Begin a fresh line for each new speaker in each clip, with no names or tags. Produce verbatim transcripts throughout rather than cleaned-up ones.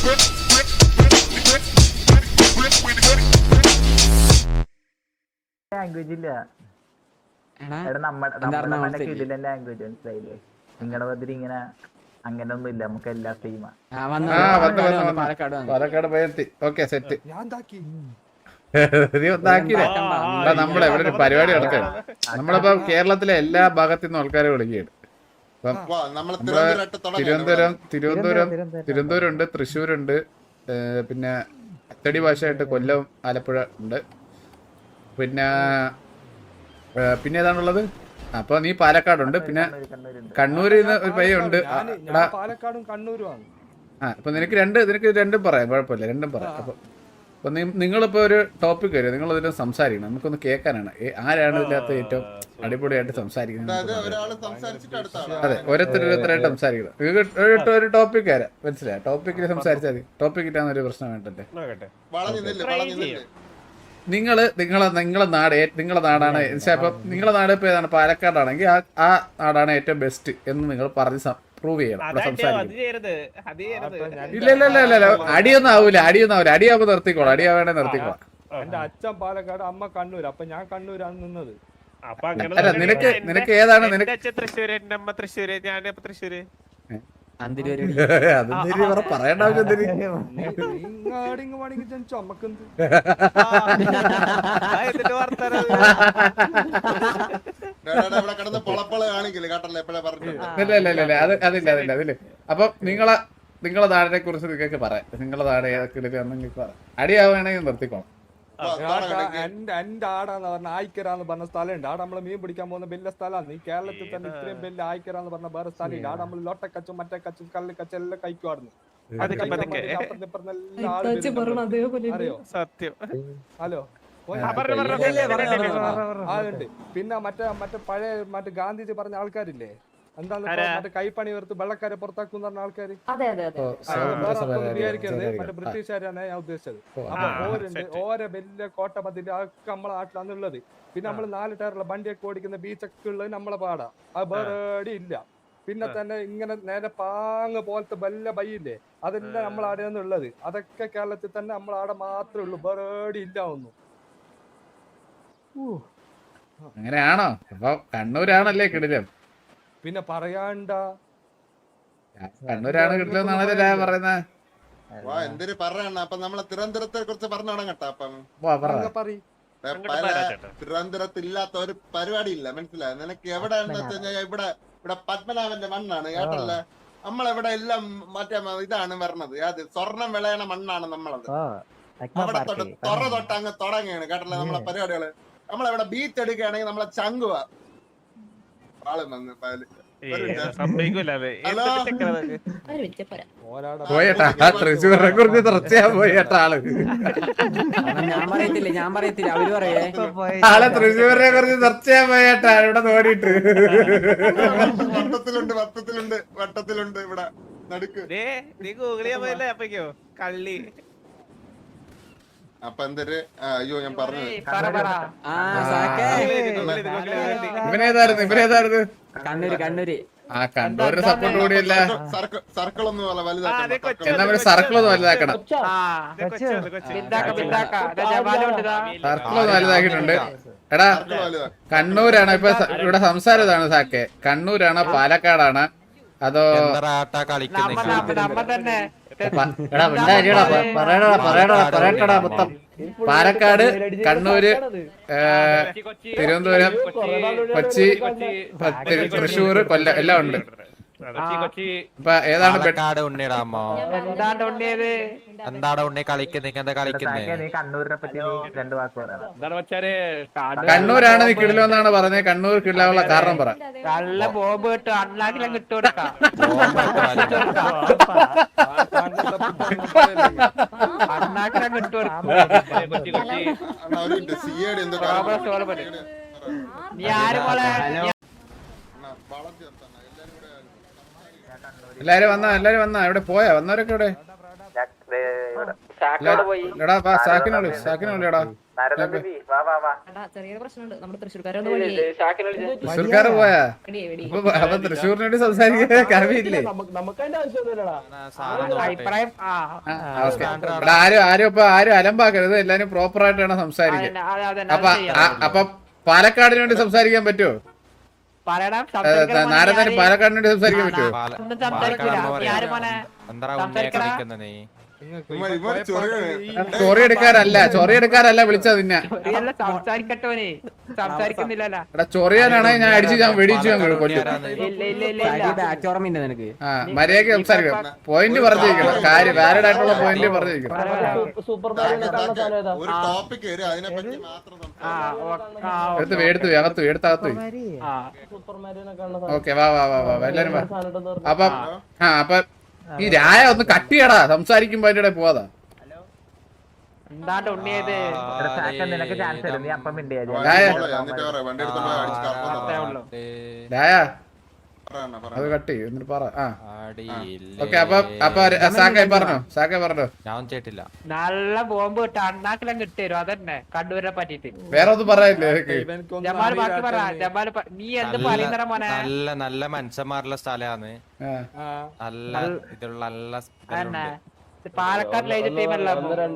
Language ഇല്ല നമ്മുടെ language മനസ്സിലായില്ലേ? നിങ്ങളുടെ ബദൽ ഇങ്ങനെ അങ്ങനെ ഒന്നും ഇല്ല, നമുക്ക് എല്ലാ സെയിമാ.
പാലക്കാട് പോയെത്തി. Okay set. നമ്മളെ ഇവിടെ ഒരു പരിപാടി നടക്കുകയാണ്. നമ്മളിപ്പോ കേരളത്തിലെ എല്ലാ ഭാഗത്തു നിന്നും ആൾക്കാരെ വിളിക്കുകയാണ്. ഇപ്പം തിരുവനന്തപുരം തിരുവനന്തപുരം തിരുവനന്തപുരം ഉണ്ട്, തൃശ്ശൂരുണ്ട്, പിന്നെ അച്ചടി ഭാഷയായിട്ട് കൊല്ലം, ആലപ്പുഴ ഉണ്ട്, പിന്നെ പിന്നെ ഏതാണുള്ളത്? അപ്പൊ നീ പാലക്കാടുണ്ട്, പിന്നെ കണ്ണൂരിൽ നിന്ന് ഒരു പയ്യുണ്ട്.
പാലക്കാടും കണ്ണൂരുമാണ്.
ആ അപ്പൊ നിനക്ക് രണ്ട് നിനക്ക് രണ്ടും പറയാം, കുഴപ്പമില്ല, രണ്ടും പറയാം. അപ്പൊ അപ്പൊ നിങ്ങളിപ്പോ ഒരു ടോപ്പിക് വരും, നിങ്ങൾ ഇതിൽ സംസാരിക്കണം, നമുക്കൊന്ന് കേൾക്കാനാണ്. ആരാണ് ഇതിനകത്ത് ഏറ്റവും അടിപൊളിയായിട്ട് സംസാരിക്കുന്നത്? അതെ, ഓരോരുത്തർ ഓരോരുത്തരായിട്ട് സംസാരിക്കണം. നിങ്ങൾക്ക് ഒരു ടോപ്പിക് വരാം, മനസ്സിലായ? ടോപ്പിക്കിൽ സംസാരിച്ചാൽ മതി. ടോപ്പിക്കിട്ടാണ് ഒരു പ്രശ്നം വേണ്ടല്ലേ? നിങ്ങള് നിങ്ങളെ നിങ്ങളെ നാട് നിങ്ങളെ നാടാണ്. ഇപ്പം നിങ്ങളെ നാട് ഇപ്പൊ ഏതാണ്? പാലക്കാടാണെങ്കിൽ ആ ആ നാടാണ് ഏറ്റവും ബെസ്റ്റ് എന്ന് നിങ്ങൾ പറഞ്ഞ് പ്രൂവ് ചെയ്യണം. ഇല്ല ഇല്ല ഇല്ല ഇല്ല അടിയൊന്നും ആവൂല, അടിയൊന്നും ആവൂല. അടിയാവുമ്പോ നിർത്തിക്കോളാം, അടിയാവേണേ നിർത്തിക്കോളാം.
എന്റെ അച്ഛൻ പാലക്കാട്, അമ്മ കണ്ണൂർ. അപ്പൊ ഞാൻ കണ്ണൂരാണ് നിന്നത്.
അല്ല നിനക്ക് നിനക്ക് ഏതാണ്? നിനക്ക്
തൃശ്ശൂര്, എന്റെ അമ്മ തൃശ്ശൂര്, ഞാൻ തൃശ്ശൂര്.
പറയേണ്ട ആവശ്യം അതില്ല അതില്ല അതില്ല. അപ്പൊ നിങ്ങളെ നിങ്ങളെ നാടിനെ കുറിച്ച് നിങ്ങൾക്ക് പറയാം. നിങ്ങളെ നാട് ഏതൊക്കെ നിങ്ങൾക്ക് പറയാം. അടിയാവുകയാണെങ്കിൽ നിർത്തിക്കോണം.
എന്റെ ആടാന്ന് പറഞ്ഞ ആയിക്കരാന്ന് പറഞ്ഞ സ്ഥലമുണ്ട്. ആടെ നമ്മള് മീൻ പിടിക്കാൻ പോകുന്ന വലിയ സ്ഥലമാണ്. ഈ കേരളത്തിൽ തന്നെ ഇത്രയും വലിയ ആയിക്കരാന്ന് പറഞ്ഞ വേറെ സ്ഥലമില്ല. ആടെ നമ്മള് ലോട്ടക്കച്ചും മറ്റേ കച്ചും കല്ല് കച്ചും എല്ലാം കഴിക്കുവാടുന്നു. അറിയോ?
സത്യം.
ഹലോ, അതുണ്ട്. പിന്നെ മറ്റേ മറ്റേ പഴയ മറ്റേ ഗാന്ധിജി പറഞ്ഞ ആൾക്കാരില്ലേ, എന്താണ് മറ്റേ കൈപ്പണി ഉയർത്ത് വെള്ളക്കാരെ പുറത്താക്കും പറഞ്ഞ ആൾക്കാര്. വിചാരിക്കരുത്, മറ്റേ ബ്രിട്ടീഷുകാരാണ് ഞാൻ ഉദ്ദേശിച്ചത്. അപ്പൊ ഓരുണ്ട്, ഓരോ വലിയ കോട്ട മതിൽ ഒക്കെ നമ്മളെ നാട്ടിലാണ് ഉള്ളത്. പിന്നെ നമ്മള് നാല് ടയറുള്ള വണ്ടിയൊക്കെ ഓടിക്കുന്ന ബീച്ചൊക്കെ ഉള്ളത് നമ്മളെ പാടാ. അത് വേറെ ഇല്ല. പിന്നെ തന്നെ ഇങ്ങനെ നേരെ പാങ്ങ് പോലത്തെ വല്ല ബൈയില്ലേ, അതെല്ലാം നമ്മൾ ആടെയാണ് ഉള്ളത്. അതൊക്കെ കേരളത്തിൽ തന്നെ നമ്മൾ ആടെ മാത്രമേ ഉള്ളൂ, വേറെ ഇല്ല ഒന്നും.
അങ്ങനെയാണോ? അപ്പൊ കണ്ണൂരാണല്ലേ കിടിലം?
പിന്നെ പറയാണ്ട
കണ്ണൂരാണ് കിട്ടില്ലെന്നാണല്ലേ പറയുന്നത്.
എന്തൊരു പറയണ. അപ്പൊ നമ്മളെ തിരുവനന്തപുരത്തെ കുറിച്ച് പറഞ്ഞു തുടങ്ങട്ടെ. അപ്പം തിരുവനന്തപുരത്ത് ഇല്ലാത്ത ഒരു പരിപാടി ഇല്ല, മനസ്സിലായോ? നിനക്ക് എവിടെയാണെന്ന് വെച്ച് കഴിഞ്ഞാൽ ഇവിടെ ഇവിടെ പത്മനാഭന്റെ മണ്ണാണ് കേട്ടല്ലേ. നമ്മളെവിടെ എല്ലാം മറ്റേ ഇതാണ് വരണത്, അത് സ്വർണം വിളയണ മണ്ണാണ് നമ്മളത്. അവിടെ തൊട്ട് തൊറ തൊട്ട് അങ്ങ് തുടങ്ങിയാണ് കേട്ടല്ലേ നമ്മളെ പരിപാടികള്. നമ്മളെവിടെ ബീച്ച് എടുക്കുകയാണെങ്കിൽ നമ്മളെ ചങ്കുവ ആള് വന്ന്
പോയേട്ടാ തൃശ്ശൂരിനെ കുറിച്ച് തീർച്ചയാ പോയേട്ടാ ആള്.
ഞാൻ പറയത്തില്ല ഞാൻ പറയത്തില്ല അവര് പറയേ
ആളെ തൃശ്ശൂരിനെ കുറിച്ച് തീർച്ചയാ പോയേട്ടാ ഇവിടെ നോടിയിട്ട്.
വട്ടത്തിലുണ്ട് വട്ടത്തിലുണ്ട് വട്ടത്തിലുണ്ട് ഇവിടെ നടുക്ക്.
നീ ഗൂഗിളിയാ പോയല്ലേ അപ്പക്കോ കള്ളി.
അപ്പൊ എന്തൊരു അയ്യോ ഞാൻ പറഞ്ഞു.
ഇവനേതായിരുന്നു ഇവനേതായിരുന്നു?
കണ്ണൂര് കണ്ണൂര്.
ആ കണ്ണൂരിന് സപ്പോർട്ട് കൂടിയല്ല.
സർക്കിൾ ഒന്നും വലുതാക്കണം,
എന്നാ സർക്കിൾ ഒന്ന് വലുതാക്കണം. സർക്കിൾ ഒന്ന് വലുതാക്കിയിട്ടുണ്ട്. എടാ കണ്ണൂരാണ് ഇപ്പൊ ഇവിടെ സംസാരം ഇതാണ് സാക്കെ. കണ്ണൂരാണോ പാലക്കാടാണ് അതോ? പാലക്കാട്, കണ്ണൂര്, തിരുവനന്തപുരം, കൊച്ചി, തൃശ്ശൂർ, കൊല്ലം എല്ലാം ഉണ്ട്. ഇപ്പൊ ഏതാണ് കണ്ണൂരാണ് നീ കിടിലെന്നാണ് പറഞ്ഞത്. കണ്ണൂർ കിടിലാനുള്ള കാരണം പറ. എല്ലാരും വന്നാ എല്ലാരും വന്നാ ഇവിടെ പോയാ വന്നവരൊക്കെ ഇവിടെ എടാ വാ സാക്കിനെ വിളി സാക്കിനെ വിളിയടാ
ചെറിയ പ്രശ്നമുണ്ട് നമ്മുടെ തൃശ്ശൂർക്കാരോട് വഴിയേ
തൃശ്ശൂർക്കാര് പോയാ അപ്പൊ അപ്പൊ തൃശ്ശൂരിന് വേണ്ടി സംസാരിക്കാൻ കവിയില്ലേ
അഭിപ്രായം ആ
എടാ ആരും ആരും ഇപ്പൊ ആരും അലമ്പാക്കരുത് എല്ലാരും പ്രോപ്പർ ആയിട്ട് വേണം സംസാരിക്കാൻ
അതെ, അതെ,
അപ്പൊ ആ- അപ്പൊ പാലക്കാടിന് വേണ്ടി സംസാരിക്കാൻ പറ്റുമോ
പറയണം
നാരദന് പാലക്കാടിന് വേണ്ടി സംസാരിക്കാൻ പറ്റുമോ
ഒന്നും സംസാരിക്കില്ല നീ ആരും മോനെ സംസാരിക്കടാ
ചൊറി എടുക്കാനല്ല ചൊറി എടുക്കാനല്ല വിളിച്ചത് നിന്നെ
ചൊറിയല്ല സംസാരിക്കട്ടോനെ സംസാരിക്കുന്നില്ലല്ലോ
എടാ ചൊറിയാനാണെങ്കിൽ ഞാൻ അടിച്ച് ഞാൻ വെടിച്ചു ഞാൻ കൊല്ലും
ഇല്ല ഇല്ല ഇല്ല ഇല്ല
ഓർമ്മയുണ്ട് നിനക്ക്
ആ മര്യാദക്ക് സംസാരിക്കണം പോയിന്റ് പറഞ്ഞിരിക്കണം കാര്യം വാലിഡ് ആയിട്ടുള്ള പോയിന്റ് പറഞ്ഞിരിക്കണം
ഒരു ടോപ്പിക് വരും അതിനെ പറ്റി മാത്രം
ആ
സംസാരിക്കാം.
ഓ- ആ,
എടുത്ത് പോയി, എടുത്ത് പോയി, അകത്ത് പോയി, എടുത്ത് അകത്ത് പോയി.
ആ
ഓക്കെ വാ വാ വാ വാ എല്ലാരും വാ അപ്പൊ ആ അപ്പൊ ഈ രായ ഒന്ന് കട്ട് ചെയ്യടാ സംസാരിക്കുമ്പോ അതിന്റെ ഇടയിൽ പോവാതാ
എന്താണ്ട് ഉണ്ണിയത്
നിനക്ക് ചാൻസ് തരും നീ അപ്പം മിണ്ടിയാ
രായ
എന്നിട്ട് പറയാം, വണ്ടി എടുത്തോണ്ട് പോയി അടിച്ച് കറക്കം
അത്രേ
എന്ന്
ഉള്ളൂ
രായ
പറയണം, പറയണം.
അത് കട്ട് ചെയ്യും എന്നിട്ട് പറ ആ ഓക്കെ അപ്പൊ അപ്പൊ സാക്കായി പറഞ്ഞോ സാക്കായി പറഞ്ഞോ
ഞാൻ ചേട്ടില്ല
നല്ല ബോംബ് കിട്ട അണ്ണാക്കിലും കിട്ടിത്തരും അതന്നെ കണ്ണൂരിനെ പറ്റിട്ട്
വേറെ ഒന്നും പറയാനില്ലേ എനിക്ക്
ഇവനക്കൊന്നും
ജമാൽ ബാക്കി പറ
അറിയില്ലാത്ത
ജമാൽ പ- നീ എന്ത്
നല്ല-
പറയുന്നറ മോനെ
നല്ല നല്ല മനുഷ്യന്മാരുള്ള സ്ഥലമാണ്
ആ.
ആ.
നല്ല ഇതുള്ള നല്ല
അതന്നെ ഇത് പാലക്കാട് ലൈജ് ടീമല്ല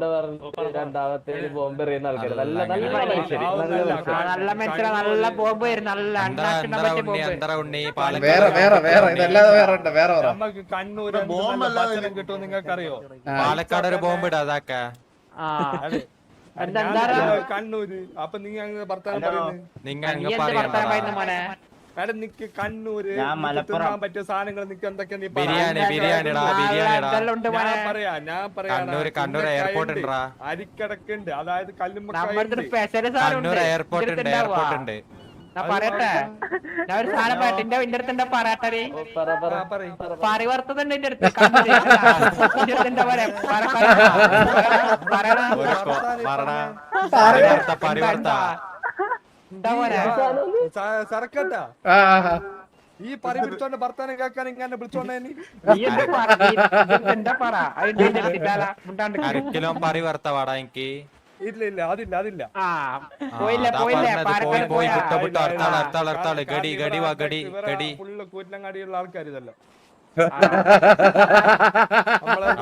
നല്ല മനുഷ്യരാ നല്ല ബോംബ് വരും നല്ല
എന്താ
അണ്ണാക്കിനെ
എന്താ
പറ്റിയ
ഉണ്ണി
ബോംബ്
എന്താ ഉണ്ണി
വേറെ
പാലക്കാട്
വേറെ വേറെ ഇതല്ലാതെ വേറെ ഉണ്ട് വേറെ പറ
നമുക്ക് കണ്ണൂർ
ഇവിടെ ബോംബല്ലാതെ
ഭക്ഷണം കിട്ടും നിങ്ങൾക്ക് അറിയോ
പാലക്കാട് ഒരു ബോംബ് ഇടാ അതാക്ക
ആ
അതെ
എന്താ
ഞാൻ
എന്താ
കണ്ണൂര് അപ്പൊ നീ അങ്ങ് ഭർത്താവ് പറയുന്നത്
നിങ്ങ
നീ
അങ്ങ്
എന്ത് വർത്താനം
പറയണ്ട
പറയുന്നു മോനെ
എടാ നിക്ക് കണ്ണൂര് നിക്ക് തിന്നാൻ പറ്റിയ സാധനങ്ങൾ നിക്ക് എന്തൊക്കെയാ നീ പറ.
ബിരിയാണി ബിരിയാണിടാ ബിരിയാണിടാ
ഇതെല്ലാം ഉണ്ട് മോനെ
ഞാൻ പറയാ ഞാൻ പറയാ
കണ്ണൂര് കണ്ണൂർ എയർപോർട്ട് ഉണ്ടാ
അരിക്കടക്കുണ്ട് അതായത്
നമ്മുടെ
കല്ലുമ്മക്കായുണ്ട്
സ്പെഷ്യൽ സാധനം ഉണ്ട്
കണ്ണൂർ എയർപോർട്ട് ഉണ്ട് എയർപോർട്ട് ഉണ്ട്
ഞാൻ പറയട്ടെ ഞാൻ ഒരു സാധനം പറയട്ടെ എന്റെ എന്റെ അടുത്ത് എന്താ പറയട്ടെ പരിവർത്തതുണ്ട് എന്റെ അടുത്ത് കണ്ണൂര്. എന്റെ അടുത്ത് എന്താ പറയാ പറ- പറ- പറയണ.
ഒരു കൊ- പറടാ പരിവർത്ത പരിവർത്ത
എന്താ പറയാ
സറക്കട്ടാ
ആ ആ, ആ.
ഈ പറി വിളിച്ചോണ്ട് ഭർത്താനം കേൾക്കാൻ ഇങ്ങനെ വിളിച്ചോണ്ടേ നീ
നീ എന്താ പറ നീ എന്താ പറ അതിന്റെ എന്റെ അടുത്തില്ലാല മുണ്ടാണ്ട്
അരക്കിലോ പരിവർത്ത വാടാ എനിക്ക്
ഇല്ല ഇല്ല അതില്ല അതില്ല
ആ പോയില്ല
അതാ
പോയില്ല
പറഞ്ഞത്, പോയി
പാലക്കാട്
പോയി
പോയാ
വിട്ട വിട്ട അർത്താൾ അർത്താൾ അർത്താൾ ഗടി ഗടി വാ ഗടി ഗടി
ഫുള്ള് കൂറ്റലങ്ങാടിയുള്ള ആൾക്കാർ ഇതല്ലോ
ആ.
നമ്മളെ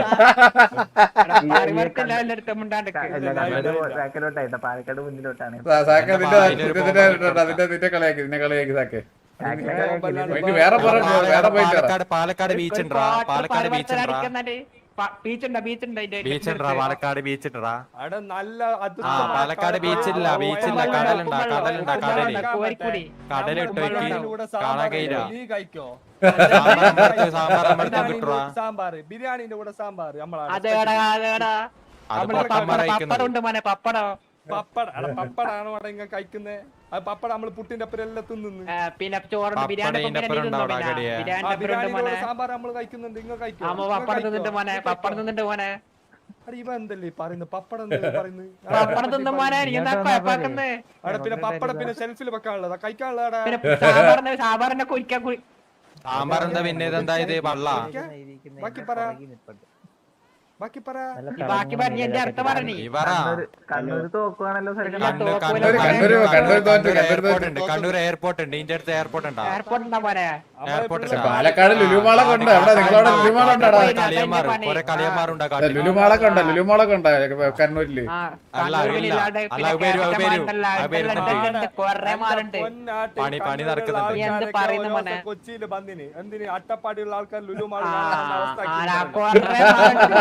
പരിവർത്തില്ല എന്റെ അടുത്ത് മുണ്ടാണ്ട്
ബാക്കിലോട്ടായിട്ടോ പാലക്കാട് മുന്നിലോട്ടാണ്
സാ- സാക്കെ നിന്റെ നിന്റെ നിന്റെ നിന്റെ നിന്റെ കളിയാക്കി നിന്നെ കളിയാക്കി സാക്കെ ഇനി വേറെ പറഞ്ഞു വേറെ പോയിട്ട് പറ.
പാലക്കാട് പാലക്കാട് ബീച്ച് ഉണ്ടാ പാലക്കാട് ബീച്ച് ഉണ്ടാ
ബീച്ചുണ്ടോ ബീച്ചുണ്ടോ
ബീച്ച് ഉണ്ടാ പാലക്കാട് ബീച്ച് ഉണ്ടാ
അവിടെ നല്ല
ആ പാലക്കാട് ബീച്ചില്ല ബീച്ചില്ല കടലുണ്ടാ കടലുണ്ടാ കടല്
കോരിക്കൂടി
കടല് ഇട്ട് വെക്ക് കാണാൻ കഴിയില്ല
നീ കഴിക്കോ
സാമ്പാർ അമ്പലത്ത് സാമ്പാർ അമ്പലത്തും കിട്ടുവാ
സാമ്പാറ് ബിരിയാണിന്റെ കൂടെ സാമ്പാറ് നമ്മളാണ്
അതേടാ അതേടാ
അത്
നമ്മളെ
പൊട്ടന്മാർ
പപ്പടം
അയക്കുന്നത്
ഉണ്ട് മോനെ പപ്പടം
പപ്പട അല്ല പപ്പടാണോ അവിടെ ഇങ്ങനെ കഴിക്കുന്നത് അത് പപ്പട നമ്മള് പുട്ടിന്റെ ഒപ്പം എല്ലാം തിന്നുന്നു
ആ, പിന്നെ ചോറുണ്ട് ബിരിയാണി
പപ്പടം
ഒപ്പം പിന്നെ
ഇതിന്റെ
തിന്നോ
അപ്പുറം
പിന്നെ
ഉണ്ടാവും
ബിരിയാണി
ആ
ഒപ്പം ഉണ്ട്
ബിരിയാണിന്റെ
മോനെ
കൂടെ സാമ്പാർ നമ്മള് കഴിക്കുന്നുണ്ട് ഇങ്ങ കഴിക്കോ
ആമ പപ്പടം തിന്നിട്ട് മോനെ പപ്പടം തിന്നിട്ട് മോനെ
അടി ഇവ എന്തല്ലേ ഈ പറയുന്നത് പപ്പടം എന്തല്ലേ പറയുന്നത്
പപ്പടം തിന്ന മോനെ നീ എന്താ കുഴപ്പാക്കുന്നേ
അവിടെ പിന്നെ പപ്പടം പിന്നെ ഷെൽഫിൽ വെക്കാനുള്ളതാ കഴിക്കാനുള്ളതാ
പിന്നെ സാമ്പാറിന്റെ സാമ്പാറിന്റെ കുരിക്കാൻ കുരി
സാമ്പാർ എന്താ പിന്നെ ഇതെന്താ ഇത് വള്ള
ബാക്കി പറ ബാക്കി പറ
ഈ ബാക്കി പറഞ്ഞ എന്റെ അർത്ഥം പറഞ്ഞി
ഇവറ
കണ്ണൂര് തോക്കുവാണല്ലോ
ഇല്ല,
കണ്ണൂർ
തോക്കൂല
കണ്ണൂർ
മോനെ.
കണ്ണൂര് കണ്ണൂര് തോറ്റ് കണ്ണൂര്
എയർപോർട്ട്
തോറ്റ്
ഉണ്ട് കണ്ണൂർ എയർപോർട്ട് ഉണ്ട് ഇതിന്റെ അടുത്ത് എയർപോർട്ട് ഉണ്ടാ
എയർപോർട്ട് ഉണ്ടാ മോനെ
എയർപോർട്ട്
പക്ഷെ പാലക്കാട് ലുലുമാളൊക്കെ ഉണ്ട് അവിടെ നിങ്ങളവിടെ ലുലുമാളുണ്ടാടാ
കളിയന്മാർ കുറെ കളിയന്മാരുണ്ടാ
അല്ല, ലുലുമാളൊക്കെ ഉണ്ട് ലുലുമാളൊക്കെ ഉണ്ട് കണ്ണൂരില്
ആ
അല്ല,
കണ്ണൂരിൽ
ഇല്ല.
ഇല്ലാണ്ട്
അല്ല,
പിന്നെ
ഉപരി- ഉപരി-
കേരളത്തിലുണ്ടല്ല,
ഉപരി-
ഇവിടെല്ലാം കുറെ മാറുണ്ട്
പൊന്നാട്ടി
പണി- പണി
കണ്ണൂരുള്ള
നടക്കുന്നുണ്ട്.
നീ എന്ത്
ആൾക്കാരൊക്കെ
പറയുന്നു
ഓരോ
മോനെ?
കൊച്ചിയില് ബന്ധിന് എന്തിന് അട്ടപ്പാടിയുള്ള ആൾക്കാർ ലുലുമാൾ
ആ,
കാണാനുള്ള അവസ്ഥ
ആ,
ആക്കിയിട്ടുണ്ടല്ലോ.
കുറെ മാറുണ്ട്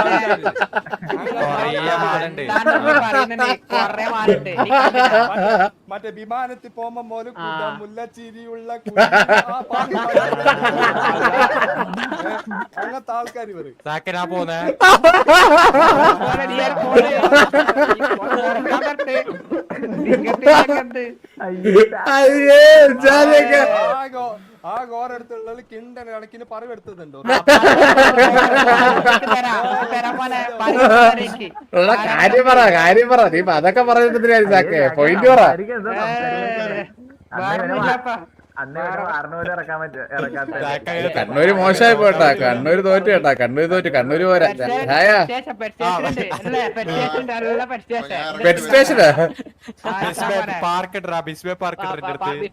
കൊറേ മാറുണ്ട്
താങ്കൾ പറയുന്നുണ്ട് കുറെ മാറുണ്ട് നീ കണ്ടില്ല?
മറ്റേ- മറ്റേ വിമാനത്തിൽ പോകുമ്പോ പോലും
ആ.
മുല്ലച്ചിരിയുള്ള കുഞ്ഞി ആ പാട്ട് പാടുന്നത്. അങ്ങനത്തെ ആൾക്കാർ ഇവര്
സാക്കനാ പോന്നെ
മോനെ, നീ ഒരു ഫോണ് ഈ ഫോണ് തുറക്കാൻ പറ്റേ? നിങ്ങൾക്ക് ഇതൊക്കെ എന്ത്?
അയ്യേ ജാലിയൊക്കെ
ആകോ ആ ഗോറെടുത്തുള്ള കിണ്ടൻ കണക്കിന് പറവെടുത്തതുണ്ടോ
നിങ്ങൾക്ക് തരാം, നിങ്ങൾക്ക് തരാം മോനെ, പരിപാടിക്ക്.
ഉള്ള കാര്യം പറ കാര്യം പറ നീ ഇപ്പൊ അതൊക്കെ പറയുന്നതിനാ സാക്കെ പോയിന്റ് പറ
ഏ, വേറൊന്നുമില്ലപ്പാ.
അന്ന് ഇവിടെ വാറിനൂര് ഇറക്കാൻ പറ്റും ഇറക്കാത്ത
കണ്ണൂര് മോശമായി പോട്ടാ, കണ്ണൂര് തോറ്റു കേട്ടാ, കണ്ണൂര് തോറ്റു, കണ്ണൂര് പോരാ. ഹായ പെറ്റ് സ്റ്റേഷനാ
പാർക്ക് ഇട്ടാ ബിസ്ബേ പാർക്ക് ഇട്ടിട്ട്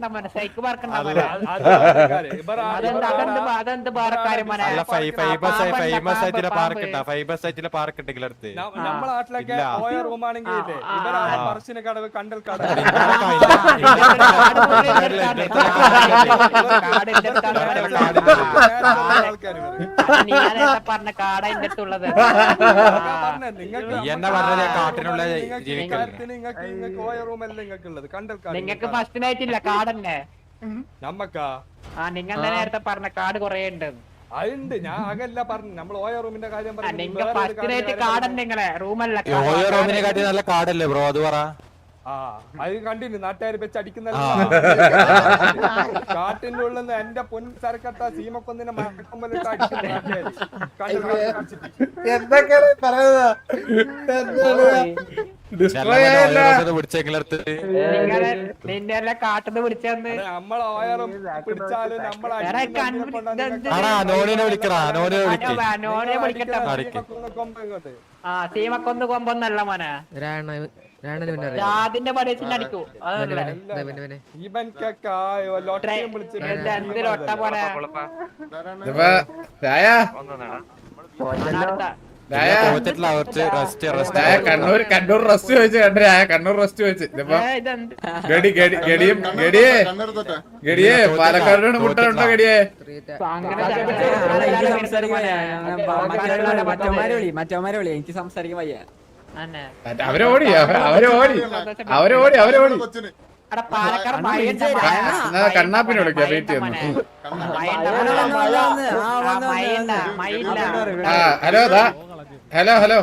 ഫേമസ് ആയി ഫേമസ് ആയിട്ടുള്ള പാർക്ക് ഇട്ടാ ഫേമസ് ആയിട്ടുള്ള പാർക്ക് ഇട്ടെങ്കിലും അടുത്ത്
നമ്മളെ നാട്ടിലൊക്കെ ഓയ റൂമാണെങ്കിൽ ഇവരാണ് പറശ്ശിനി കടവ് കണ്ടൽ കടവ്
പറഞ്ഞ കാട എന്റെ അടുത്തുള്ളത്
എന്നാ പറഞ്ഞത് കാട്ടിനുള്ള
നിങ്ങൾക്ക് ഓയ റൂമല്ല നിങ്ങൾക്ക് ഉള്ളത് കണ്ടൽ കാട്
നിങ്ങക്ക് ഫസ്റ്റിനായിട്ടില്ല കാടന്നെ
നമ്മക്കാ
ആ നിങ്ങൾ നേരത്തെ പറഞ്ഞ കാട് കൊറേ ഉണ്ട്
അതുണ്ട് ഞാൻ അകല്ല പറഞ്ഞു നമ്മൾ ഓയ റൂമിന്റെ കാര്യം പറഞ്ഞു
നിങ്ങൾ ഫസ്റ്റിനായിട്ട് കാടന്നെ നിങ്ങളെ റൂമല്ല
ഓയോ റൂമിനെ കാട്ടി നല്ല കാടല്ലേ ബ്രോ അത് പറ
ആ അത് കണ്ടില്ല നാട്ടുകാർ വെച്ച് അടിക്കുന്ന കാട്ടിന്റെ ഉള്ളിൽ എന്റെ പൊൻ സരക്കട്ട സീമക്കൊന്നിനെ മഴക്കൊമ്പലിട്ട് അടിക്കുന്ന
എന്തൊക്കെയാണ് പറയുന്നത്?
പിടിച്ചെങ്കിലടുത്ത്
നിന്നെ എല്ലാം കാട്ടുന്ന് പിടിച്ചെന്ന്
നമ്മളെ ഓയറും പിടിച്ചാലും നമ്മളെ
ആടാ നോണിനെ വിളിക്കടാ നോണിനെ വിളിക്ക്
നോനെ വിളിക്കട്ടെ
കൊമ്പ്
ആ സീമക്കൊന്ന് കൊമ്പൊന്നല്ല മോനെ അതിന്റെ പടേച്ചിൽ അടിക്കൂ
ഇവൻക്കൊക്കെ ലൊട്ടയും വിളിച്ച്
എന്തിലൊട്ട പോലെ
ഇപ്പൊ രായ രായ
തോറ്റിട്ടില്ല കുറച്ച് റെസ്റ്റ് റെസ്റ്റ്
രായ കണ്ണൂർ കണ്ണൂർ റെസ്റ്റ് വെച്ച് കണ്ടു രായ കണ്ണൂർ റെസ്റ്റ് വെച്ച് ഇതിപ്പോ ഗഡി ഗഡി ഗഡിയും ഗഡിയേ ഗഡിയേ പാലക്കാടിനോട് മുട്ടുണ്ടോ ഗഡിയേ
മറ്റവന്മാരെ വിളി മറ്റവന്മാരെ വിളി എനിക്ക് സംസാരിക്കാൻ വയ്യ.
അവരെ ഓടി അവരെ ഓടി അവരെ ഓടി അവരെ ഓടി
പാലക്കാട്
എന്നാ കണ്ണാപ്പിനെ വിളിക്കാം വെയിറ്റ് ചെയ്യുന്നു. ആ ഹലോ ദാ ഹലോ ഹലോ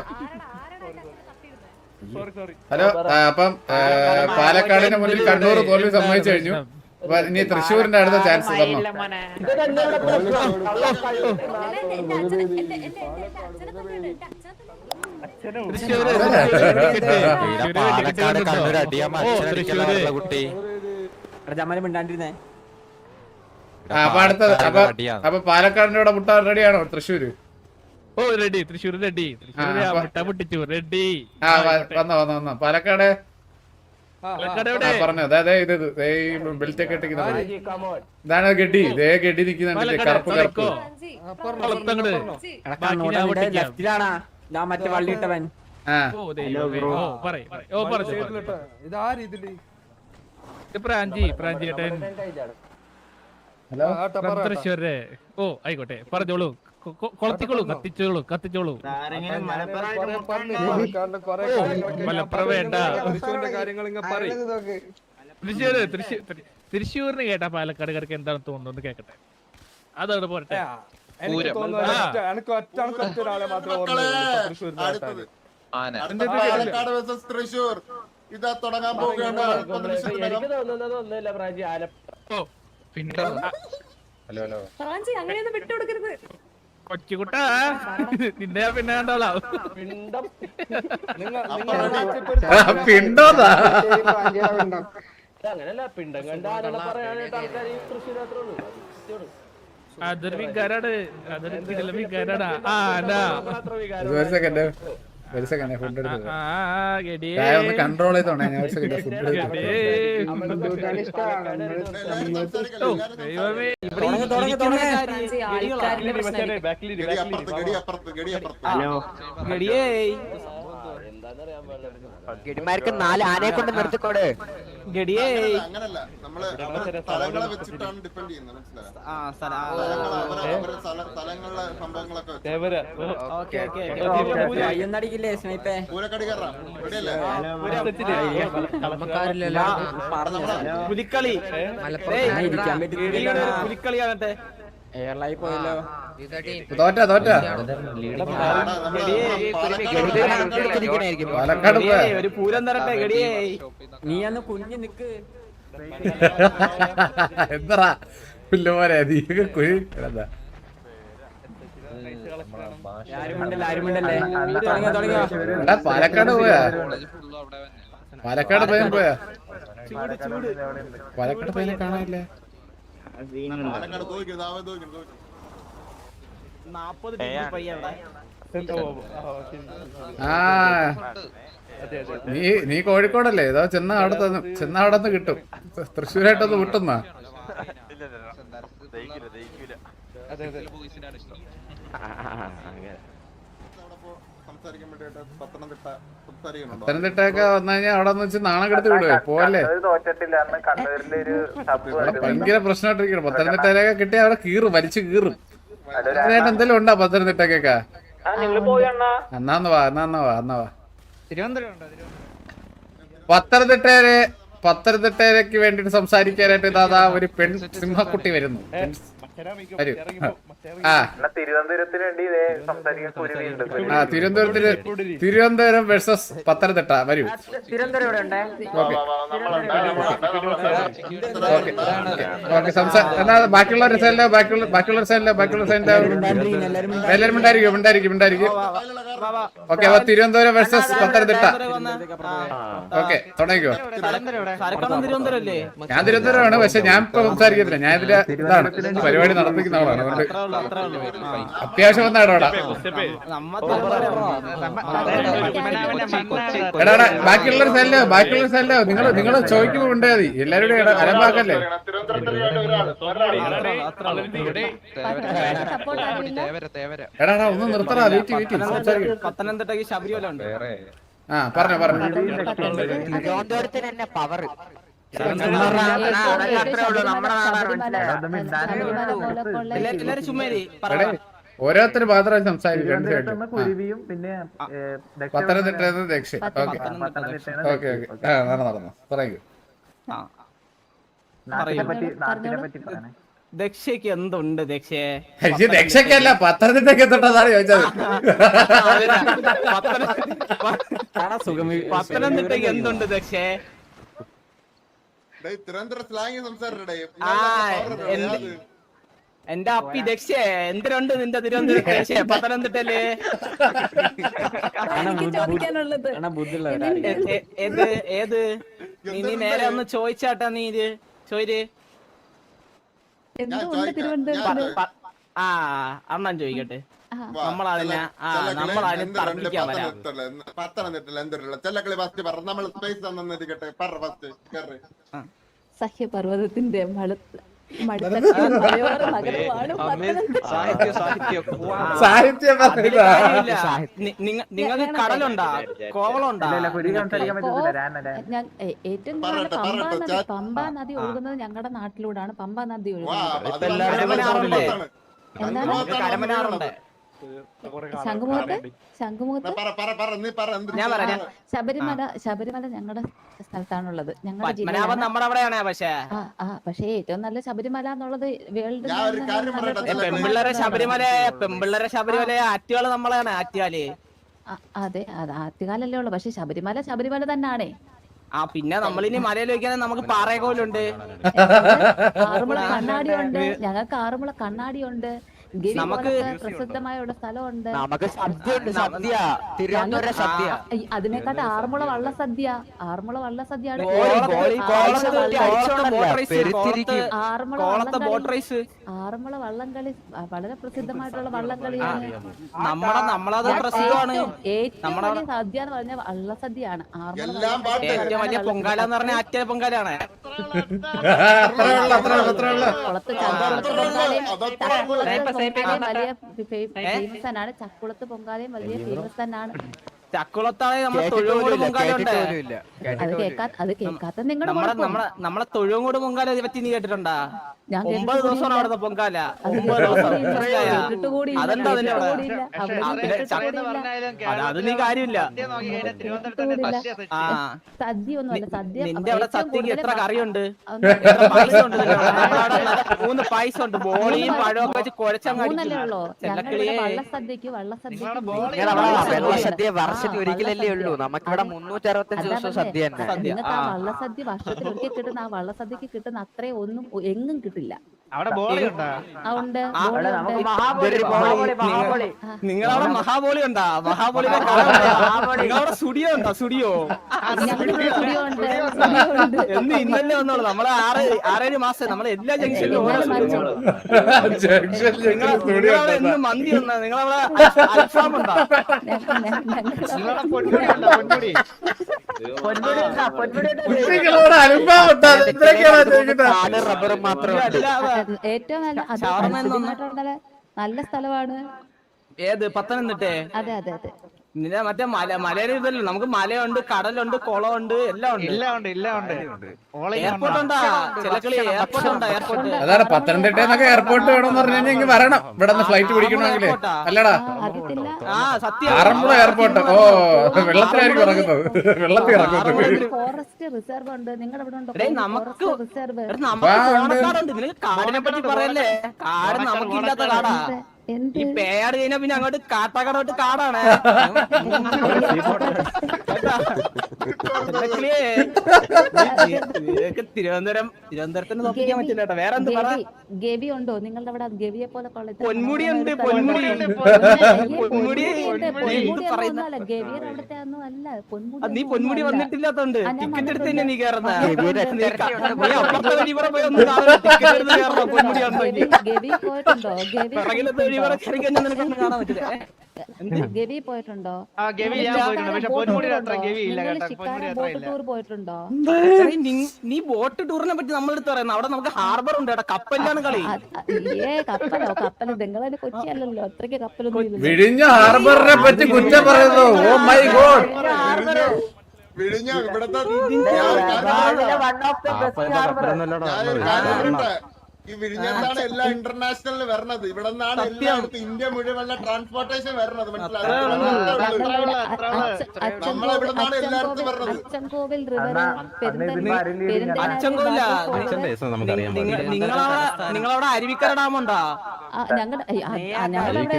ഹലോ അപ്പം പാലക്കാടിന് മുന്നിൽ കണ്ണൂർ തോൽവി സമ്മതിച്ചു കഴിഞ്ഞു. അപ്പൊ ഇനി തൃശ്ശൂരിന്റെ അടുത്ത ചാൻസ് തന്നോ?
പാലക്കാട് കണ്ണൂർ അടിയാൻ അടിക്കല കുട്ടി
ജമല് മിണ്ടാണ്ടിരുന്നേ.
ആ അപ്പൊ അടുത്തത് അപ്പൊ അപ്പൊ പാലക്കാടിന്റെ കൂടെ മുട്ട റെഡിയാണോ തൃശ്ശൂര്?
ഓ റെഡി തൃശ്ശൂർ റെഡി തൃശ്ശൂർ പൊട്ടിച്ചു റെഡി.
ആ വന്നോ വന്നോ വന്നോ പാലക്കാട് പറഞ്ഞു അതെ ഇത് ബെൽറ്റ് ഒക്കെ ഇട്ടിരിക്കുന്നത് ഇതാണ് ഗഡി ഇതേ ഗഡി നിൽക്കുന്നുണ്ട് കറുപ്പ് കറുപ്പ്
ലെഫ്റ്റിലാണാ ഞാൻ മറ്റേ വള്ളിയിട്ടവൻ.
ആ
പ്രാഞ്ചി പ്രാഞ്ചി ഏട്ടൻ
ഹലോ
തൃശ്ശൂര്. ഓ ആയിക്കോട്ടെ പറഞ്ഞോളൂ കൊളത്തിക്കോളൂ കത്തിച്ചോളൂ കത്തിച്ചോളൂ. മലപ്പുറം വേണ്ട തൃശ്ശൂര് തൃശ്ശൂരിന് കേട്ടാ പാലക്കാടുകാർക്ക് എന്താണ് തോന്നുന്നത് കേക്കട്ടെ അതവിടെ പോരട്ടെ.
തൃശ്ശൂർ ഇതാ തുടങ്ങാൻ പോവുകയാണ്.
ഹലോ ഹലോ
അങ്ങനെയൊന്നും വിട്ടുകൊടുക്കരുത്.
കൊച്ചുകുട്ടാ നിന്നെ പിന്നെ കണ്ടോളാം.
പിണ്ടോന്നാ
അതൊരു വികാരാണ് അതൊരു കിടിലൻ വികാരാണ്. ആ
ഒരു സെക്കൻഡ് ഒരു സെക്കൻഡ് ഫുഡ് എടുത്ത് ഒന്ന് കൺട്രോൾ ചെയ്തോണേ. ഞാൻ ഒരു സെക്കൻഡ് ഫുഡ്
ഗഡിമാർക്ക് നാല് ആനയെ കൊണ്ട് നിർത്തിക്കോട്. ഗഡിയേ
അങ്ങനല്ല നമ്മള് സ്ഥലങ്ങളെ വെച്ചിട്ടാണ് ഡിപ്പെൻഡ് ചെയ്യുന്നത് മനസ്സിലായോ? സ്ഥലങ്ങളിലെ സംഭവങ്ങളൊക്കെ
അയ്യൊന്നടിക്കില്ലേ സ്നൈപ്പേ?
പൂരക്കടി കയറാം റെഡിയല്ലേ?
പുലിക്കളി പുലിക്കളിയാകട്ടെ
എയർലൈൻ പോയല്ലോ.
തോറ്റ തോറ്റ പാലക്കാട് പോയാ
ഒരു പൂരം തരട്ടെ ഗഡിയേ.
നീ അന്ന് കുഞ്ഞു നിക്ക്.
എന്താ പുല്ലുപോലെ നീ കുഴി എന്താ എടാ പാലക്കാട് പോയാ പാലക്കാട് പയ്യൻ പോയാ പാലക്കാട് പയ്യനെ കാണാനില്ലേ?
പാലക്കാട് തോന്നിക്കുന്നു അവൻ തോന്നിക്കുന്നു
നാപ്പത് ഡിഗ്രി പയ്യാണ്
ആ നീ നീ കോഴിക്കോടല്ലേ ഏതോ ചെന്ന അവിടെ ചെന്ന അവിടെ നിന്ന് കിട്ടും തൃശ്ശൂരായിട്ടൊന്ന് വിട്ടുന്നാ പത്തനംതിട്ടയൊക്കെ വന്നു കഴിഞ്ഞാൽ അവിടെ നിന്ന് വെച്ച് നാണം കെടുത്ത് വിടുവേ പോവല്ലേ
തോറ്റിട്ടില്ല അന്ന് കണ്ണൂരിലെ ഒരു സബ്
അവിടെ ഭയങ്കര പ്രശ്നമായിട്ടിരിക്കണം പത്തനംതിട്ടയിലൊക്കെ കിട്ടിയ അവിടെ കീറും വലിച്ചു കീറും അതിനായിട്ട് എന്തെങ്കിലും ഉണ്ടോ പത്തനംതിട്ടക്കൊക്കെ എന്നാന്ന് വാ എന്നാന്ന് വാ എന്നാ വാ പത്തനംതിട്ടയില് പത്തനംതിട്ടയിലേക്ക് വേണ്ടിട്ട് സംസാരിക്കാനായിട്ട് ദാദാ ഒരു പെൺ സിംഹക്കുട്ടി വരുന്നു വരൂ ആ
തിരുവനന്തപുരത്തിന് വേണ്ടി സംസാരിക്കാൻ കുരുവിയുണ്ട്
ആ തിരുവനന്തപുരത്തിന് തിരുവനന്തപുരം വേഴ്സസ് പത്തനംതിട്ട വരൂ ഓക്കെ സംസാ ബാക്കിയുള്ളവരുടെ സൈഡിലോ ബാക്കിയുള്ള ബാക്കിയുള്ള സൈഡിലോ ബാക്കിയുള്ള സൈഡിലോ എല്ലാവരും ഉണ്ടായിരിക്കും ഉണ്ടായിരിക്കും ഉണ്ടായിരിക്കും ഓക്കെ അപ്പൊ തിരുവനന്തപുരം വേഴ്സസ് പത്തനംതിട്ട ഓക്കെ തുടങ്ങിക്കോ ഞാൻ തിരുവനന്തപുരമാണ് പക്ഷെ ഞാൻ ഇപ്പൊ സംസാരിക്കത്തില്ല ഞാൻ ഇതിന്റെ ഇതാണ് പരിപാടി നടത്തിക്കുന്ന ആളാണ് അതുകൊണ്ട് അത്യാവശ്യം വന്നാണ് അവിടെ എടാ എടാ ബാക്കിയുള്ളൊരു സൈഡിലോ ബാക്കിയുള്ള സൈഡിലോ നിങ്ങൾ നിങ്ങൾ ചോദിക്കുമ്പോ ഉണ്ടാ മതി എല്ലാവരും അലമ്പാക്കല്ലേ എടാ എടാ ഒന്ന് നിർത്തടാ വെയിറ്റ് വെയിറ്റ്
പത്തനംതിട്ടക്ക് ശബരിമല ഉണ്ട്
ആ പറഞ്ഞോ പറഞ്ഞോ
തിരുവനന്തപുരത്തിന് തന്നെ പവർ എല്ലാരും ചുമ്മാരി
ഓരോരുത്തർ മാത്രം സംസാരിക്കും
കുരുവിയും പിന്നെ
പത്തനംതിട്ട ദക്ഷ ഓക്കെ ഓക്കെ ഓക്കെ ആ നടന്നു നടന്നു പറയൂ
നാട്ടിനെ പറ്റി നാട്ടിനെ പറ്റി പറയണേ
ദക്ഷയ്ക്ക് എന്തുണ്ട് ദക്ഷേ
ദക്ഷക്കല്ല പത്തനംതിട്ടക്ക് എത്തതാണ് ചോദിച്ചത്
പത്തനംതിട്ടക്ക് എന്തുണ്ട് ദക്ഷേ
തിരുവനന്തപുരം സ്ലാങ് സംസാരിക്കടേ
എന്റെ അപ്പി ദക്ഷേ എന്തിനുണ്ട് നിന്റെ തിരുവനന്തപുരം ദക്ഷേ പത്തനംതിട്ടല് ഏത് ഏത് നീ നേരെ ഒന്ന് ചോദിച്ചാട്ടാ നീ ഇത് ചോര് ആ അണ്ണൻ ചോദിക്കട്ടെ നമ്മളതിനെ നമ്മളതിനെ തർക്കിക്കാൻ വരാം
പത്തനംതിട്ട എന്തൊരു ചെല്ലക്കളി ഫസ്റ്റ് പറ നമ്മൾ സ്പേസ് തന്നിരിക്കട്ടെ പറ ഫസ്റ്റ് കേറ്
സഹ്യപർവ്വതത്തിന്റെ
നിങ്ങൾക്ക് കടലുണ്ടാ കോവളുണ്ടാ
ഏറ്റവും കൂടുതൽ പമ്പ നദി ഒഴുകുന്നത് ഞങ്ങളുടെ നാട്ടിലൂടെയാണ് പമ്പ നദി ഒഴുകുന്നത്.
കരമനാറുണ്ട്
ശംഖുമുഖത്ത് ശംഖുമുഖത്ത് ശബരിമല ശബരിമല ഞങ്ങളുടെ സ്ഥലത്താണുള്ളത് ഞങ്ങളുടെ ജില്ലയിലാണ്.
നമ്മുടെ അവിടെയാണ് പക്ഷേ
ആ പക്ഷേ ഏറ്റവും നല്ല ശബരിമല എന്നുള്ളത് വേൾഡ്
പെമ്പിള്ളേരെ ശബരിമല പെമ്പിള്ളേരെ ശബരിമല ആറ്റുകാല് നമ്മളാണ് ആറ്റുകാല്
അതെ അത് ആറ്റുകാലല്ലേ ഉള്ളു പക്ഷെ ശബരിമല ശബരിമല തന്നെയാണേ.
ആ പിന്നെ നമ്മളിനി മലയിൽ വെക്കാൻ നമുക്ക് പാറയകോലുണ്ട്
ആറുമുള കണ്ണാടിയുണ്ട് ഞങ്ങൾക്ക് ആറുമുള കണ്ണാടിയുണ്ട് നമുക്ക് പ്രസിദ്ധമായ ഒരു സ്ഥലമുണ്ട്
നമുക്ക് സദ്യ ഉണ്ട് സദ്യ തിരുവനന്തപുരം സദ്യ
അതിനെക്കാട്ട് ആറന്മുള വള്ള സദ്യ ആറന്മുള വള്ള സദ്യയാണ് ആറന്മുള വള്ളംകളി വളരെ പ്രസിദ്ധമായിട്ടുള്ള വള്ളംകളിയാണ്.
നമ്മുടെ നമ്മളത് പ്രസിദ്ധമാണ്
ഏറ്റവും വലിയ സദ്യ എന്ന് പറഞ്ഞ വള്ളസദ്യയാണ്.
ഏറ്റവും വലിയ പൊങ്കാല എന്ന് പറഞ്ഞ ആറ്റ പൊങ്കാലാണ്
കുളത്ത് ചക്കുളത്ത് പൊങ്കാലയും വലിയ ഫേമസ് തന്നെയാണ്. ചക്കുളത്ത് പൊങ്കാലയും വലിയ ഫേമസ് തന്നെയാണ്.
ചക്കുളത്താണ് നമ്മളെ തൊഴുകോട് പൊങ്കാലുണ്ട്
അത് കേൾക്കാ അത് കേൾക്കാത്ത നിങ്ങളുടെ
നമ്മളെ തൊഴുകോട് പൊങ്കാല പറ്റി നീ കേട്ടിട്ടുണ്ടാ? ഒമ്പത് ദിവസമാണ് അവിടുത്തെ പൊങ്കാല ഒമ്പത് ദിവസം അതെന്താ അതിന്റെ അത് നീ കാര്യമില്ല.
സദ്യ ഒന്നുമല്ല സദ്യ
നിന്റെ അവിടെ സദ്യക്ക് എത്ര കറിയുണ്ട് എത്ര പായസം ഉണ്ട് മൂന്ന് പായസം ഉണ്ട് ബോളിയും പഴമൊക്കെ വെച്ച് കുഴച്ചങ്ങല്ലേ
ഉള്ളൂ. വള്ളസദ്യക്ക് വള്ളസദ്യക്ക്
ഒരിക്കലല്ലേ ഉള്ളൂ നമുക്കിവിടെ മുന്നൂറ്റി അറുപത്തഞ്ച് ദിവസം സദ്യ
നിങ്ങൾക്ക് ആ വള്ളസദ്യ വർഷത്തിൽ ഒരിക്കൽ കിട്ടുന്ന ആ വള്ളസദ്യക്ക് കിട്ടുന്ന അത്രയും ഒന്നും എങ്ങും കിട്ടില്ല.
അവിടെ ബോളി ഉണ്ടാ
ആ, ഉണ്ട്
ആ,
ബോളി ഉണ്ട്.
നിങ്ങളവിടെ മഹാബോളി ഉണ്ടാ മഹാബോളിയുടെ നിങ്ങളവിടെ സ്റ്റുഡിയോ ഉണ്ടോ സ്റ്റുഡിയോ
ഞങ്ങൾക്ക് സ്റ്റുഡിയോ ഉണ്ട് സ്റ്റുഡിയോ ഉണ്ട്.
എന്ന് ഇന്നലെ വന്നോളൂ നമ്മളെ ആറ് ആറേഴ് മാസം നമ്മളെ എല്ലാ ജംഗ്ഷനിലും ഓരോ സ്റ്റുഡിയോ നിങ്ങളവിടെ എന്ന് മന്തി ഉണ്ടോ നിങ്ങളവിടെ അൽഫാം ഉണ്ടോ
ഞങ്ങൾ
പൊന്മുടി ഉണ്ടോ പൊന്മുടി
കുട്ടികളോട് അനുഭവം ഉണ്ടാ ഇത്രയൊക്കെയാണോ ചോദിക്കുന്നത്?
റബ്ബർ മാത്രമേ
ഏറ്റവും നല്ല അത്
ഷവർമ്മ എന്നൊന്ന്
പരിസ്ഥിതിയായിട്ടുള്ള നല്ല സ്ഥലമാണ്.
ഏത് പത്തനംതിട്ടേ
അതെ അതെ അതെ.
നിന്നെ മറ്റേ മല മലയുടെ ഇതല്ലോ നമുക്ക് മലയുണ്ട് കടലുണ്ട് കുളമുണ്ട് എല്ലാം ഉണ്ട്
എല്ലാം ഉണ്ട് എല്ലാം ഉണ്ട്
എയർപോർട്ട് ഉണ്ടാ ചിലക്കളി എയർപോർട്ട് ഉണ്ടാ എയർപോർട്ട്
അതാണ് പത്തനംതിട്ട എന്നൊക്കെ എയർപോർട്ട് വേണമെന്ന് പറഞ്ഞു കഴിഞ്ഞാൽ ഇങ്ങ് വരണം ഇവിടെ നിന്ന് ഫ്ലൈറ്റ് പിടിക്കണമെങ്കിലേ അല്ലടാ
അറിയത്തില്ല.
ആ സത്യം
ആറന്മുള എയർപോർട്ട് ഓ വെള്ളത്തിലായിരിക്കും ഇറങ്ങുന്നത് വെള്ളത്തിൽ ഇറങ്ങുന്നത്
ഫോറസ്റ്റ് റിസർവ് ഉണ്ട്. നിങ്ങളുടെ ഇവിടെ ഉണ്ടോ
എടേ, നമുക്ക്
ഫോറസ്റ്റ് റിസർവ്?
എടാ, നമുക്ക് ഓണക്കാടുണ്ട് നിനക്ക് കാടിനെ പറ്റി പറയല്ലേ കാട് നമുക്കില്ലാത്ത കാടാ
എന്ത്
ഈ പേയാട് കഴിഞ്ഞാ പിന്നെ അങ്ങോട്ട് കാട്ടാക്കടോട്ട് കാടാണ് ചിലക്കളിയെ നിനക്ക് തിരുവനന്തപുരം തിരുവനന്തപുരത്തിന് നോക്കിക്കാൻ പറ്റില്ല കേട്ടോ വേറെ എന്ത് പറ
ഗവി ഗവി ഉണ്ടോ നിങ്ങളുടെ അവിടെ? ഗവിയെ പോലെ കൊള്ളത്തില്ല.
പൊന്മുടി ഉണ്ട് പൊന്മുടി പൊന്മുടി
ഗവിയുടെ അവിടുത്തെ ഒന്നും അല്ല. പൊന്മുടി
അത് നീ
ഒന്നും
പൊന്മുടി
അല്ല.
വന്നിട്ടില്ലാത്തോണ്ട്
ആ, ഞാൻ
ടിക്കറ്റ് എടുത്ത്
വന്നിട്ടുണ്ട്.
തന്നെ നീ കയറുന്ന നീ അപ്പുറത്തെ വഴി കൂടെ പോയി ഒന്ന് കാണാൻ ടിക്കറ്റ് എടുത്ത് കയറണം പൊന്മുടി
ഗവി
ഉണ്ടെങ്കിൽ
ഗവി പോയിട്ടുണ്ടോ? ഗവി
പിറകിലത്തെ വഴി കൂടെ കയറി കഴിഞ്ഞാൽ നിനക്കൊന്നും കാണാൻ പറ്റില്ല ഏ?
ഗവി പോയിട്ടുണ്ടോ?
ആ ഗവി ഞാൻ പോയിട്ടുണ്ട് പക്ഷെ പൊന്മുടിയുടെ അത്ര ഗവി ഇല്ല
നിങ്ങൾ
കേട്ടോ
ഷിക്കാര
പൊന്മുടി അത്ര
ബോട്ട്
ഇല്ല
ടൂർ പോയിട്ടുണ്ടോ?
എടീ, നി- നീ ബോട്ട് ടൂറിനെ പറ്റി നമ്മളെടുത്ത് പറയുന്നത് അവിടെ നമുക്ക് ഹാർബർ ഉണ്ട് കേട്ടോ കപ്പലിലാണ് കളി
അത് ഏ കപ്പലോ കപ്പല് നിങ്ങളതിന് കൊച്ചി അല്ലല്ലോ അത്രയ്ക്ക് കപ്പലൊന്നും ഇല്ലല്ലോ.
വിഴിഞ്ഞ ഹാർബറിനെ പറ്റി കുറ്റം പറയുന്നു ഓ മൈ ഗോഡ്
വിഴിഞ്ഞ ഇവിടത്തെ ഞാനൊരു കാര്യം പറയട്ടെ. ഈ വിഴിഞ്ഞത്താണ് എല്ലാം ഇന്റർനാഷണലിൽ വരണത്. ഇവിടെ നിന്നാണ് എല്ലായിടത്തും ഇന്ത്യ മുഴുവനുള്ള ട്രാൻസ്പോർട്ടേഷൻ വരണത്. മനസ്സിലായോ? നമ്മളെ ഇവിടെ നിന്നാണ് എല്ലായിടത്തും വരണത്.
അച്ചൻകോവിൽ റിവർ
അച്ചൻകോവില നിങ്ങളവിടെ നിങ്ങളവിടെ അരുവിക്കര ഡാം ഉണ്ടോ
ഞങ്ങളുടെ ഞങ്ങളവിടെ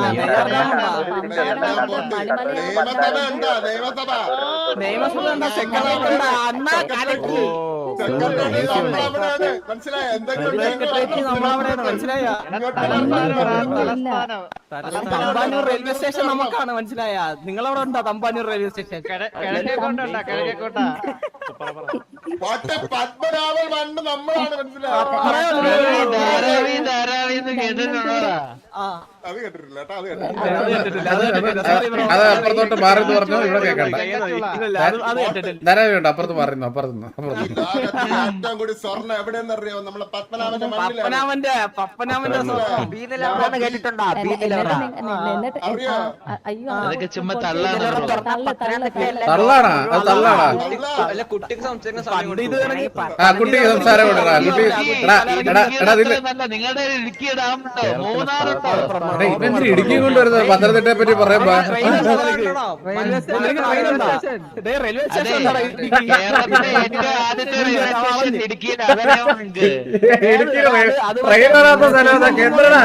നിയമസഭ ഉണ്ടോ? നിയമസഭ
നിയമസഭ ഉണ്ടോ സെക്രട്ടറി ഉണ്ടോ അണ്ണാ കലക്കി
സെക്രട്ടറി നമ്മളവിടെയാണ്. മനസ്സിലായോ? എന്തെങ്കിലും
സെക്രട്ടറി നമ്മളവിടെയാണ് മനസ്സിലായോ തമ്പാനൂർ റെയിൽവേ സ്റ്റേഷൻ നമുക്കാണ് മനസ്സിലായ നിങ്ങളവിടെ ഉണ്ടോ തമ്പാനൂർ റെയിൽവേ സ്റ്റേഷൻ
കിഴക്കേക്കോട്ടാ കിഴക്കേക്കോട്ടാ
കോട്ട പത്മനാഭൻ മണ്ണ് നമ്മളാണ്. മനസ്സിലായോ? അത് കേട്ടിട്ടില്ല കേട്ടോ. അത് കേട്ടിട്ടില്ല.
അത് അപ്പുറത്തോട്ട് മാറി എന്ന് പറഞ്ഞു ഇവിടെ കേൾക്കണ്ട ധാരാളം അപ്പുറത്ത് മാറുന്നു അപ്പുറത്തുനിന്ന് അപ്പുറത്ത്
ഏറ്റവും കൂടി സ്വർണ്ണം എവിടെയെന്ന് അറിയാമോ? നമ്മളെ പത്മനാഭന്റെ മണ്ണിലാണ്.
പപ്പനാമന്റെ പപ്പനാമന്റെ
കേട്ടിട്ടുണ്ടോ?
അറിയോ?
അയ്യോ
തള്ളാണാ അത് തള്ളാണാ
കുട്ടിക്ക് സംസാരിക്കുന്ന
പണ്ട് ഇത് വേണമെങ്കിൽ
ആ കുട്ടിക്ക് സംസാരം കൊടുക്കടാ കുട്ടി എടാ എടാ എടാ ഇതില്
നിങ്ങളുടെ ഇടുക്കി ഡാം ഉണ്ടോ മൂന്നാറുണ്ടോ
എടാ ഇവന്തിരി ഇടുക്കി കൊണ്ടുവരുന്നത് പത്തനംതിട്ടയെ പറ്റി പറയുമ്പോ
റെയിൽവേ സ്റ്റേഷൻ
കേരളത്തിലെ ഏറ്റവും ആദ്യത്തെ റെയിൽവേ സ്റ്റേഷൻ ഇടുക്കിയിലാണ് അതറിയാമോ നിങ്ങൾക്ക്?
ഇടുക്കി ട്രെയിൻ വരാത്ത സ്ഥലം കേന്ദ്രടാ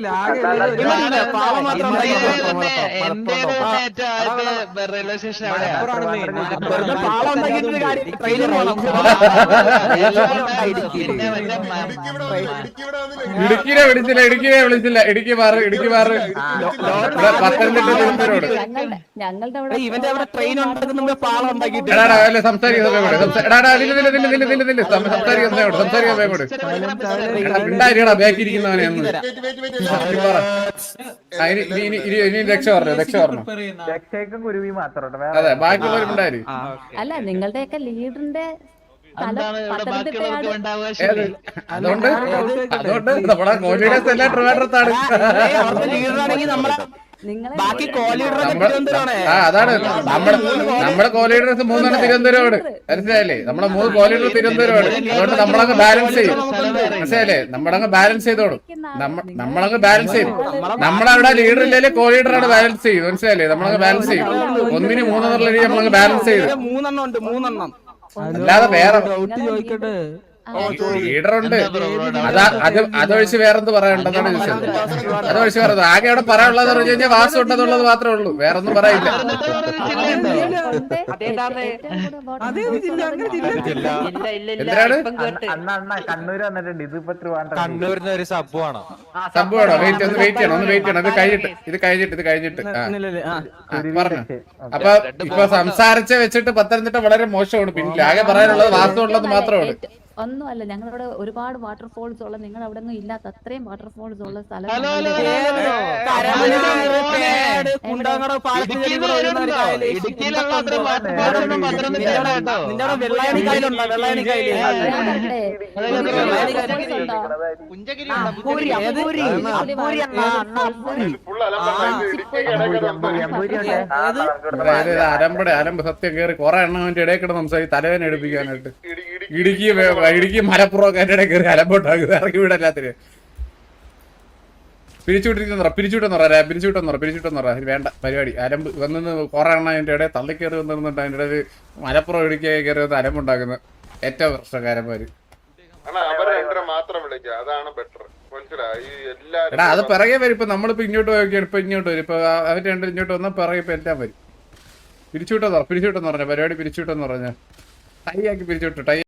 പാവം മാത്രം
എന്റെ ഏറ്റവും ആദ്യത്തെ റെയിൽവേ സ്റ്റേഷൻ എവിടെയാണ്?
പാളം ഉണ്ടാക്കിയിട്ട് കാര്യം ട്രെയിനിൽ പോകണം
ഇടുക്കി ഇവിടെ വന്നില്ല. ഇടുക്കി ഇവിടെ വന്നില്ല.
ഇടുക്കിനെ വിളിച്ചില്ല ഇടുക്കിനെ വിളിച്ചില്ല ഇടുക്കി മാറ് ഇടുക്കി മാറ് ഇവിടെ പത്തനംതിട്ട തിരുവനന്തപുരം
ഞങ്ങളുടെ ഞങ്ങളുടെ അവിടെ
ഇവന്റെ അവിടെ ട്രെയിൻ ഉണ്ടാക്കുന്ന പാളം ഉണ്ടാക്കിയിട്ട്
എടാടാ അല്ലെ സംസാരിക്കുന്ന സമയം കൂടെ എടാടാ നില്ല നില്ല നില്ല നില്ല നില്ല നില്ല സംസാരിക്കുന്ന സമയം കൂടെ സംസാരിക്കുന്ന സമയം കൂടെ എടാ ഉണ്ടായിരിക്കടാ ബാക്കിയിരിക്കുന്നവനെ ഒന്ന്
വെയിറ്റ് വെയിറ്റ് വെയിറ്റ്.
ആ, ഇനി ഇനി ഇനി ഇനി ഇനി രക്ഷ പറഞ്ഞു രക്ഷ പറഞ്ഞു
രക്ഷയ്ക്കും കുരുവി മാത്രം
അതെ ബാക്കിയുള്ളവരും ഉണ്ടായി
അല്ല നിങ്ങളുടെയൊക്കെ ലീഡറിന്റെ സ്ഥലം പത്തനംതിട്ടയാണ്.
ഏത് അതുകൊണ്ട് അതുകൊണ്ട് നമ്മുടെ കോഴിയുടെ എല്ലാം ട്രിവാൻഡ്രത്താണ്
ലീഡറാണെങ്കിൽ നമ്മളെ
നിങ്ങളെ
ബാക്കി കോലീഡറൊക്കെ തിരുവനന്തപുരമാണ്
ആ അതാണ് നമ്മുടെ നമ്മുടെ കോലീഡേഴ്സ് മൂന്നെണ്ണം തിരുവനന്തപുരമാണ് മനസ്സിലായില്ലേ നമ്മുടെ മൂന്ന് കോലീഡർ തിരുവനന്തപുരമാണ് അതുകൊണ്ട് നമ്മളങ്ങ് ബാലൻസ് ചെയ്യും മനസ്സിലായില്ലേ നമ്മളങ്ങ് ബാലൻസ് ചെയ്തോളും നമ്മ നമ്മളങ്ങ് ബാലൻസ് ചെയ്യും നമ്മളവിടെ ലീഡർ ഇല്ലേ കോലീഡറാണ് ബാലൻസ് ചെയ്യും മനസ്സിലായില്ലേ നമ്മളങ്ങ് ബാലൻസ് ചെയ്യും ഒന്നിന് മൂന്നെന്നുള്ള രീതി നമ്മളങ്ങ് ബാലൻസ് ചെയ്യും
മൂന്നെണ്ണം ഉണ്ട് മൂന്നെണ്ണം
അല്ലാതെ വേറെ
ചോദിക്കട്ടെ
ലീഡർ ഉണ്ട്. അതാ അത് അതൊഴിച്ച് വേറെന്ത് പറയാനുണ്ടെന്നാണ് ചോദിച്ചത്. അതൊഴിച്ച് വേറെ ആകെ അവിടെ പറയാനുള്ളത് പറഞ്ഞു കഴിഞ്ഞാൽ വാസം ഉണ്ടെന്നുള്ളത് മാത്രമേ ഉള്ളൂ, വേറൊന്നും പറയില്ല. എന്തിനാണ്
അണ്ണ അണ്ണ കണ്ണൂര് വന്നിട്ടുണ്ട്. ഇതിപ്പോ
കണ്ണൂരിന് ഒരു സംഭവമാണ്.
സംഭവമാണോ? വെയിറ്റ് ഒന്ന് വെയിറ്റ് ചെയ്യണം, ഒന്ന് വെയിറ്റ് ചെയ്യണം. ഇത് കഴിഞ്ഞിട്ട് ഇത് കഴിഞ്ഞിട്ട് ഇത് കഴിഞ്ഞിട്ട് പറഞ്ഞു. അപ്പൊ ഇപ്പൊ സംസാരിച്ച വെച്ചിട്ട് പത്തനംതിട്ട വളരെ മോശമാണ്. പിന്നെ ആകെ പറയാനുള്ളത് വാസം ഉള്ളത് മാത്രമാണ്.
ഒന്നുമല്ല, ഞങ്ങളവിടെ ഒരുപാട് വാട്ടർഫോൾസ് ഉള്ള, നിങ്ങൾ അവിടെ ഒന്നും ഇല്ലാത്ത അത്രയും വാട്ടർഫോൾസ് ഉള്ള സ്ഥലം.
അരമ്പട അരമ്പ് സത്യം കയറി കുറെ എണ്ണം അവന്റെ ഇടയിൽ കിടന്ന് സംസാരിച്ച് തലവേന എടുപ്പിക്കാനായിട്ട്. ഇടുക്കി ഇടുക്കി മലപ്പുറം ഒക്കെ എന്റെ ഇടയിൽ കയറി അലമ്പുണ്ടാകും. ഇറക്കി വിടല്ലാത്തിന് പിരിച്ചുവിട്ടിരിക്കുന്ന പിരിച്ചുവിട്ടെന്ന് പറയാ പിരിച്ചുവിട്ടെന്ന് പറയാം പിരിച്ചുവിട്ടെന്ന് പറയാം വേണ്ട പരിപാടി. അലമ്പ് വന്ന് കുറെ എണ്ണം അതിന്റെ ഇടയിൽ തള്ളിക്കയറി വന്നിരുന്നുണ്ട്. അതിന്റെ ഇടയിൽ മലപ്പുറം ഇടുക്കി കയറി വന്ന് അലമ്പുണ്ടാക്കുന്ന ഏറ്റവും പ്രശ്നക്കാരന്മാര്. എടാ അത് പിറകെ വരും. ഇപ്പൊ നമ്മളിപ്പോ ഇങ്ങോട്ട് പോയൊക്കെയാണ്. ഇപ്പൊ ഇങ്ങോട്ട് വരും. ഇപ്പൊ അവര് രണ്ട് ഇങ്ങോട്ട് വന്നാൽ പിറകെ ഇപ്പൊ എല്ലാം വരും. പിരിച്ചുവിട്ടെന്ന് പറ പിരിച്ചുവിട്ടെന്ന് പറഞ്ഞ പരിപാടി പിരിച്ചുവിട്ടെന്ന് പറഞ്ഞ ടൈ ആക്കി പിരിച്ചുവിട്ടു. ടൈ